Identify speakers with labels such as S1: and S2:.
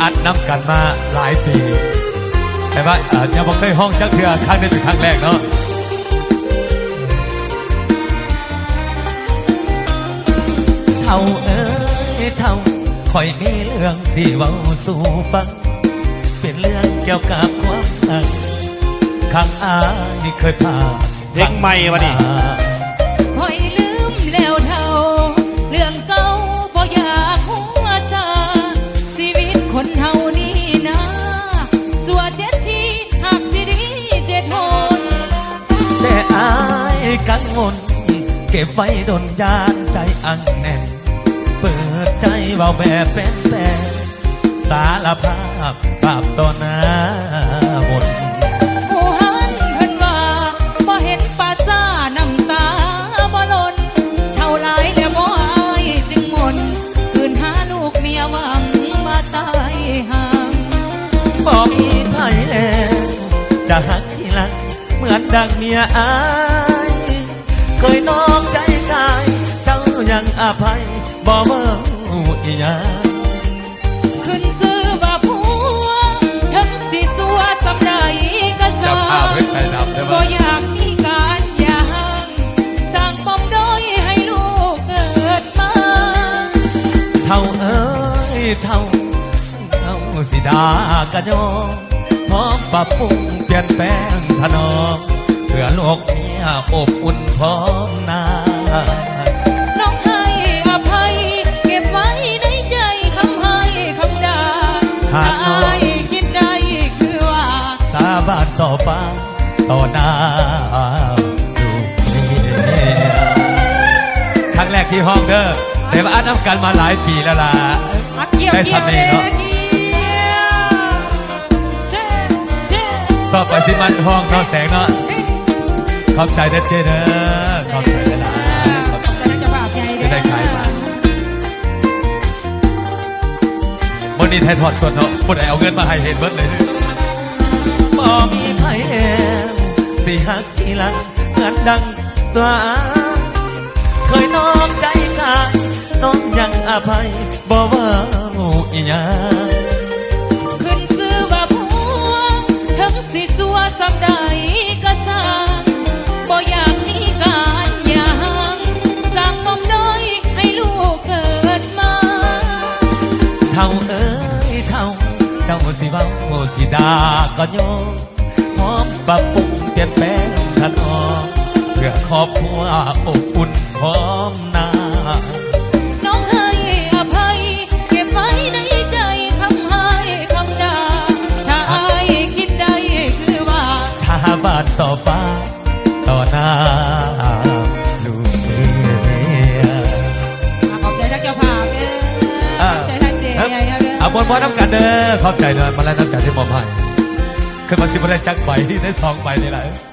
S1: อัดน้ำกันมาหลายปีแต่ว่ายังบอกได้ห้องจักเทือครั้งนี้เป็นครั้งแรกเนาะเท่าเอ้ยเท่าคอยมีเรื่องสิเว้าสู่ฟังเป็นเรื่องเกี่ยวกับความรักข้างนี่เคยผ่าน
S2: เพลงใหม่วะนี่
S3: คอยลืมแล้วเท่าเรื่องเก่าบ่อยากหัวซาชีวิตคนเฮานี่นะสัวเจ็ดทีหักสิดีเจ็ดหน
S1: แต่อายกังวลเก็บไว้ดนยานใจอังแน่นเปิดใจเบาแบบเป็นแต่สารภาพบาปต่อหน้าหมด
S3: ผู้หันเพิ่นว่าบ่เห็นป่าซ่าน้ำตาบ่หล่นเท่าไรแล้วบ่อายจึงหม่นคืนหาลูกเมียหวังมาตายห่าง
S1: บ่มีไผแล้วจะหักทีหลังเหมือนดังเมียอายเคยน้องใจกายเจ้ายังอภัยบ่เมื่ออีหยัง
S3: ขึ้นซื้อว่าผัวถึงสิตัวสำใดก็สาบ่อยากมีการหย่างสร้างปมด้อยให้ลูกเกิดมา
S1: เท่าเอ้ยเท่าสิดากะยอพร้อมปรับปรุงเปลี่ยนแปลงถนอมเพื่อโลกนี้อบอุ่นพร้อมหน้า
S3: น้องให้อภัยเก็บไว้ในใจคำให้คำด่าถ้าอายคิดได้คือว่า
S1: สาบานต่อฟ้าต่อหน้าดูเมียครั้งแรกที่ห้องเด้อแต่ว่าอัดน้ำกันมาหลายปีแล้วล่ะได้สำเนียงเนาะต่อไปสิมันห้องนอนแสงเนาะขอบใจเด้อเจเด้อขอบใจเด้อล่ะจะได้ขายมาวันนี้ไทยทอดสดเนาะคนไหนเอาเงินมาให้เห็นเบิดเลยบ่มีไผแอบสิหักทีหลังเหมือนดังตัวเคยน้อมใจกายน้องยังอภัยบ่ว่าอีหยัง
S3: ขึ้นซื้อว่าผัวถึงสิสัวสำใดก็สร้างบ่อยากมีการหย่างสร้างปมด้อยให้ลูกเกิดมา
S1: เท่าเอ้ยเท่าเจ้าสิเว้าสิด่าก็ยอมพร้อมปรับปรุงเปลี่ยนแปลงถนอมเพื่อครอบครัวอบอุ่นพร้อมหน้า
S3: น้องให้อภัยเก็บไว้ในใจคำให้คำด่าถ้าอายคิดได้คือว่า
S1: สาบานต่อฟ้าต่อหน้าลูกเมีย
S3: ขอบใจทักเจ้าภาพเด้อขอบใจทักเจ๊ใหญ่เด้อ
S1: เอาบอลน้ำกันเด้อขอบใจเด้อมาแล้วน้ำกันที่มอบให้คือมันสิบได้จักใบได้2 ใบนี่แหละ